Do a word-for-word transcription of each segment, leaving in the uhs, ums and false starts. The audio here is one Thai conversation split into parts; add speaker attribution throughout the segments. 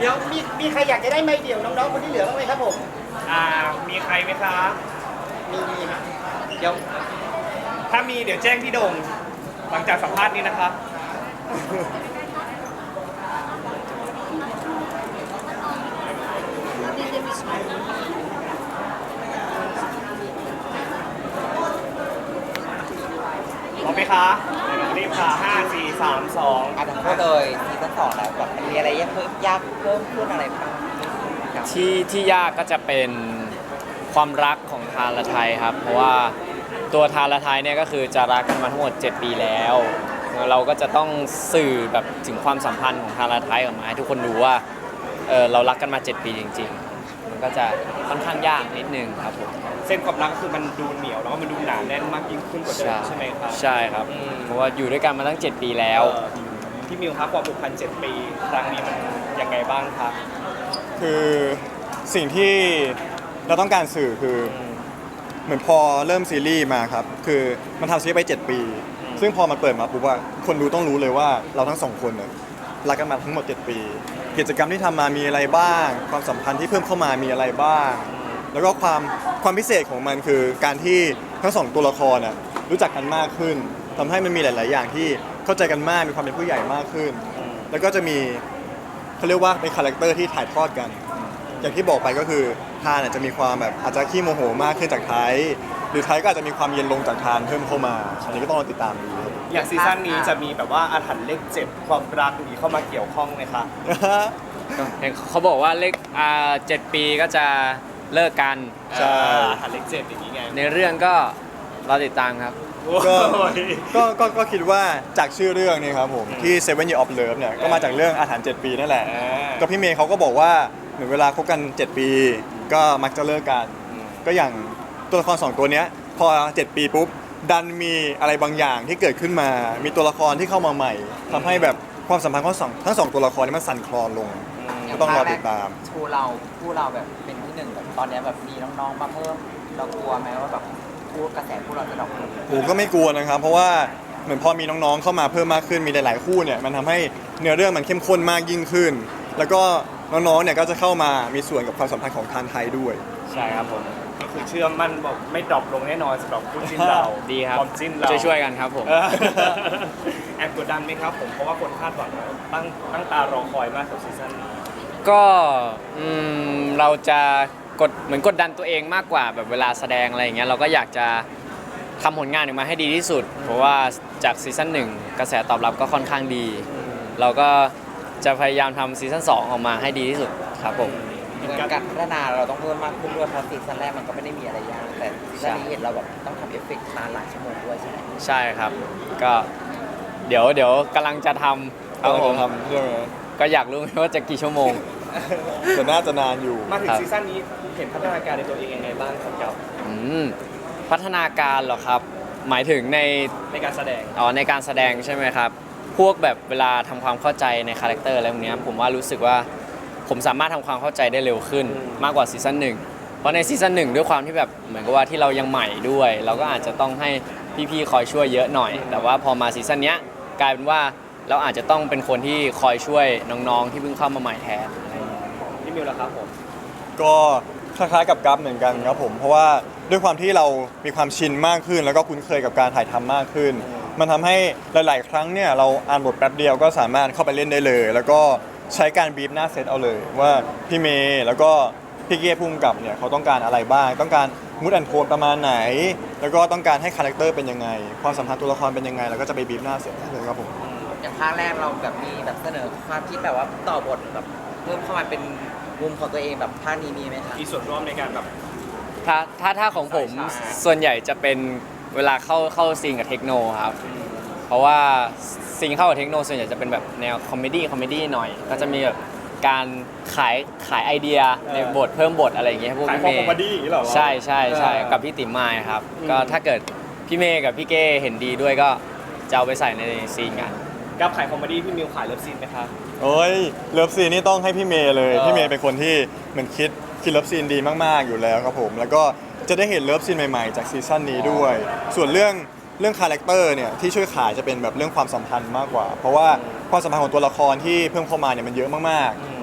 Speaker 1: เดี๋ยวมีมีใครอยากจะได้ไม้เดี่ยวน้องๆคนที่เหลือบ้างไหมครับผม
Speaker 2: อ่ามีใครไหมคะ
Speaker 1: มีมีครับเดี๋ยว
Speaker 2: ถ้ามีเดี๋ยวแจ้งพี่โด่งหลังจากสัมภาษณ์นี้นะคะพร้อมไหมคะรีบค่ะห้าสี่สามสอง
Speaker 3: อ่ะทั้งคู่เลยซีซั่นสองแล้วแบบมันมีอะไรยากเพิ่มยากเพิ่มขึ้นอะไรบ้างครับ
Speaker 4: ที่ที่ยากก็จะเป็นความรักของทานและไทยครับเพราะว่าตัวทานและไทยเนี่ยก็คือจะรักกันมาทั้งหมดเจ็ดปีแล้วเราก็จะต้องสื่อแบบถึงความสัมพันธ์ของทานและไทยออกมาให้ทุกคนรู้ว่าเออเรารักกันมาเจ็ดปีจริงๆมันก็จะค่อนข้างยากนิดนึงครับผม
Speaker 2: เส้นความรักคือมันดูเหนียวแล้วก็มันดูหนาแน่นมากยิ่งขึ้นกว่าเดิมใช่ไหมครับ
Speaker 4: ใช่ครับเพราะว่าอยู่ด้วยกันมาตั้งเจ็ดปีแล้ว
Speaker 2: พี่มิวครับความผูกพันเจ็ดปีครั้งนี้มันยังไงบ้างครับ
Speaker 5: คือสิ่งที่เราต้องการสื่อคือเหมือนพอเริ่มซีรีส์มาครับคือมันทำซีรีส์ไปเจ็ดปีซึ่งพอมันเปิดมาปุ๊บว่าคนดูต้องรู้เลยว่าเราทั้งสองคนเนี่ยรักกันมาทั้งหมดเจ็ดปีกิจกรรมที่ทำมามีอะไรบ้างความสัมพันธ์ที่เพิ่มเข้ามามีอะไรบ้างแล้วก็ความความพิเศษของมันคือการที่ทั้งสองตัวละครน่ะรู้จักกันมากขึ้นทำให้มันมีหลาย ๆ อย่างที่เข้าใจกันมากมีความเป็นผู้ใหญ่มากขึ้นแล้วก็จะมีเขาเรียกว่าเป็นคาแรคเตอร์ที่ถ่ายทอดกันอย่างที่บอกไปก็คือทานอาจจะมีความแบบอาจจะขี้โมโหมากขึ้นจากไทยหรือไทยก็อาจจะมีความเย็นลงจากทานเพิ่มเข้ามาอันนี้ก็ต้องรอติดตามดู
Speaker 2: อย่างซีซั่นนี้จะมีแบบว่าอาถรรพ์เลขเจ็ดความรักนี้เข้ามาเกี่ยวข้องไหมคะ
Speaker 4: เขาบอกว่าเลขอ่าเจ็ดปีก็จะเลิกกัน
Speaker 2: ใช่อาถรรพ์เลขเจ็ดอย่างนี้ไง
Speaker 4: ในเรื่องก็รอติดตามครับ
Speaker 5: ก็ก็ก็ก็คิดว่าจากชื่อเรื่องนี่ครับผมที่ Seven Years of Love เนี่ยก็มาจากเรื่องอาถรรพ์เจ็ดปีนั่นแหละก็พี่เมย์เขาก็บอกว่าเหมือนเวลาคบกันเจ็ดปีก็มักจะเลิกกันก็อย่างตัวละครสองตัวเนี้ยพอเจ็ดปีปุ๊บดันมีอะไรบางอย่างที่เกิดขึ้นมามีตัวละครที่เข้ามาใหม่ทำให้แบบความสัมพันธ์ของสองทั้งสองตัวละครนี้มันสั่นคลอนลงก็ต้องรอติดตาม
Speaker 3: ชูเราคู่เราแบบเป็นที่หนึ่งแบบตอนนี้แบบมีน้องๆมาเพิ่มเรากลัวไหมว่าแบบคู่กระแสคู่เราจะดรอปลง
Speaker 5: ผมก็ไม่กลัวนะครับเพราะว่าเหมือนพอมีน้องๆเข้ามาเพิ่มมากขึ้นมีหลายๆคู่เนี่ยมันทำให้เนื้อเรื่องมันเข้มข้นมากยิ่งขึ้นแล้วก็น้องๆเนี่ยก็จะเข้ามามีส่วนกับความสัมพันธ์ของทานไทยด้วย
Speaker 2: ใช่ครับผมก็คือเชื่อมั่นบอกไม่ดรอปลงแน่นอนสำหรับคู่จิ้นเรา
Speaker 4: ดีครับ
Speaker 2: ความจิ้นเรา
Speaker 4: ช่วยๆกันครับผม
Speaker 2: แอบกดดันไหมครับผมเพราะว่าคนคาดหวังตั้งตั้งตารอคอยมากกับซีซั่นนี้
Speaker 4: ก็เราจะกดเหมือนกดดันตัวเองมากกว่าแบบเวลาแสดงอะไรอย่างเงี้ยเราก็อยากจะทำผลงานออกมาให้ดีที่สุดเพราะว่าจากซีซั่นหนึ่งกระแสตอบรับก็ค่อนข้างดีเราก็จะพยายามทำซีซั่นสองออกมาให้ดีที่สุดครับผม
Speaker 3: การพัฒนาเราต้องเพิ่มมากขึ้นด้วยเพราะซีซั่นแรกมันก็ไม่ได้มีอะไรยากแต่ซีซั่นนี้เห็นเราแบบต้องทำเอฟเฟกต์นานหลายชั่วโมงด้วยใช่ไหม
Speaker 4: ใช่ครับก็เดี๋ยวเดี๋ยวกำลังจะทำครับผมก็อยากรู้ว่าจะกี่ชั่วโมง
Speaker 5: แต่น่าจะนานอยู่
Speaker 2: มาถึงซีซั่นนี้เห็นพัฒนาการในตัวเองยังไงบ้างครับกับ
Speaker 4: พัฒนาการเหรอครับหมายถึงใน
Speaker 2: ในการแสดง
Speaker 4: อ๋อในการแสดงใช่ไหมครับพวกแบบเวลาทำความเข้าใจในคาแรคเตอร์อะไรพวกนี้ผมว่ารู้สึกว่าผมสามารถทำความเข้าใจได้เร็วขึ้นมากกว่าซีซั่นหนึ่งเพราะในซีซั่นหนึ่งด้วยความที่แบบเหมือนกับว่าที่เรายังใหม่ด้วยเราก็อาจจะต้องให้พี่ๆคอยช่วยเยอะหน่อยแต่ว่าพอมาซีซั่นนี้กลายเป็นว่าเราอาจจะต้องเป็นคนที่คอยช่วยน้องๆที่เพิ่งเข้ามาใหม่แทน
Speaker 2: พี่มิวล่ะครับผม
Speaker 5: ก็คล้ายๆกับกัฟเหมือนกันครับผมเพราะว่าด้วยความที่เรามีความชินมากขึ้นแล้วก็คุ้นเคยกับการถ่ายทำมากขึ้นมันทำให้หลายๆครั้งเนี่ยเราอ่านบทแป๊บเดียวก็สามารถเข้าไปเล่นได้เลยแล้วก็ใช้การบีบหน้าเซตเอาเลยว่าพี่เมย์แล้วก็พี่เก้พุ่มกับเนี่ยเขาต้องการอะไรบ้างต้องการมูดแอนโทนประมาณไหนแล้วก็ต้องการให้คาแรคเตอร์เป็นยังไงความสัมพันธ์ตัวละครเป็นยังไงแล้วก็จะไปบีบหน้าเซตเลยครับผม
Speaker 3: อย่างภาคแรกเราแบบมีแบบเสนอความคิดแบบว่าต่อบทแบบเพิ่มเข้ามาเป็นมุมของตัวเองแบบภาคนี้มีไหมครับ
Speaker 2: มีส่วนร่วมในการแบบ
Speaker 4: ถ้าถ้าถ้าของผมส่วนใหญ่จะเป็นเวลาเข้าเข้าซีนกับเทคโนครับเพราะว่าซีนเข้ากับเทคโนส่วนใหญ่จะเป็นแบบแนวคอมเมดี้คอมเมดี้หน่อยก็จะมีแบบการขายขายไอเดียในบทเพิ่มบทอะไรอย่างเงี้ยพวกพี่เมย์ใช่ใช่ใช่กับพี่ติ๋มมายครับก็ถ้าเกิดพี่เมย์กับพี่เก้เห็นดีด้วยก็จะเอาไปใส่ในซีนกัน
Speaker 2: กับขายคอมเมดี้พี่มิวขายเลิฟซีนไหมครับ
Speaker 5: โอ้ยเลิฟซีนนี่ต้องให้พี่เมย์เลยพี่เมย์เป็นคนที่เหมือนคิดคิดเลิฟซีนดีมากๆอยู่แล้วครับผมแล้วก็จะได้เห็นเลิฟซีนใหม่ๆจากซีซั่นนี้ด้วยส่วนเรื่องเรื่องคาแรคเตอร์เนี่ยที่ช่วยขายจะเป็นแบบเรื่องความสัมพันธ์มากกว่าเพราะว่าความสัมพันธ์ของตัวละครที่เพิ่มเข้ามาเนี่ยมันเยอะมากๆ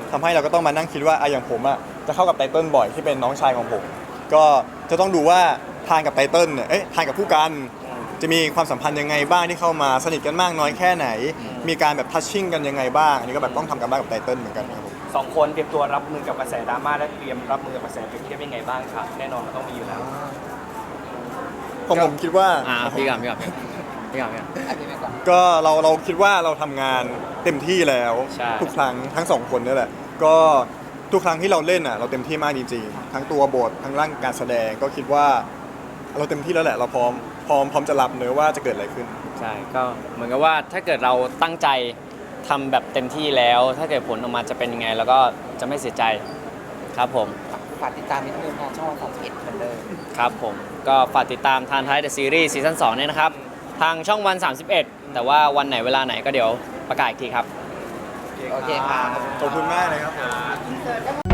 Speaker 5: ทำให้เราก็ต้องมานั่งคิดว่าอะอย่างผมอะจะเข้ากับไตเติ้ลบ่อยที่เป็นน้องชายของผม ก็จะต้องดูว่าทานกับไตเติ้ลเนี่ยเอ๊ะทานกับผู้กันจะมีความสัมพันธ์ยังไงบ้างที่เข้ามาสนิทกันมากน้อยแค่ไหน มีการแบบทัชชิ่งกันยังไงบ้างอันนี้ก็แบบต้องทำกันบ้างกับไตเติ้ลเหมือนกันครับผม
Speaker 2: สองคนเตรียมตัวรับมือกับกระแสดราม่าและเตรียมรับมือกับกระแสเปรียบเทียบยังไงบ้างครับแน่นอนมันต้องมีอยู่แล้ว
Speaker 5: ผมผมคิดว่า
Speaker 4: อ่าพี่ก่อนพี่ก่อนพี่ก่อนพี่ก่อน
Speaker 3: อันนี้ไปก่อน
Speaker 5: ก็เราเราคิดว่าเราทำงานเต็มที่แล้ว
Speaker 4: ใช่
Speaker 5: ทุกครั้งทั้งสองคนนี่แหละ ก็ทุกครั้งที่เราเล่นอ่ะเราเต็มที่มากจริงๆทั้งตัวบททั้งร่างการแสดงก็คิดว่า เราเต็มที่แล้วแหละ เราพร้อมพร้อมพร้อมจะรับเนื้อะว่าจะเกิดอะไรขึ้น
Speaker 4: ใช่ก็เหมือนกับว่าถ้าเกิดเราตั้งใจทำแบบเต็มที่แล้ว ถ้าเกิดผลออกมาจะเป็นยังไง แล้วก็จะไม่เสียใจครับผม
Speaker 3: ฝากติดตามนิดนึงนะช่องวันสามสิบเอ็ดเหมือนเดิม
Speaker 4: ครับผมก็ฝากติดตามทานท้ายเดอะซีรีส์ซีซั่นสองเนี่ยนะครับ ทางช่องวัน สามสิบเอ็ด แต่ว่าวันไหนเวลาไหนก็เดี๋ยวประกาศอีกทีครับ
Speaker 3: โอเคค่ะ
Speaker 5: ขอบคุณมากเลยครับผม
Speaker 1: อินเสิร์ต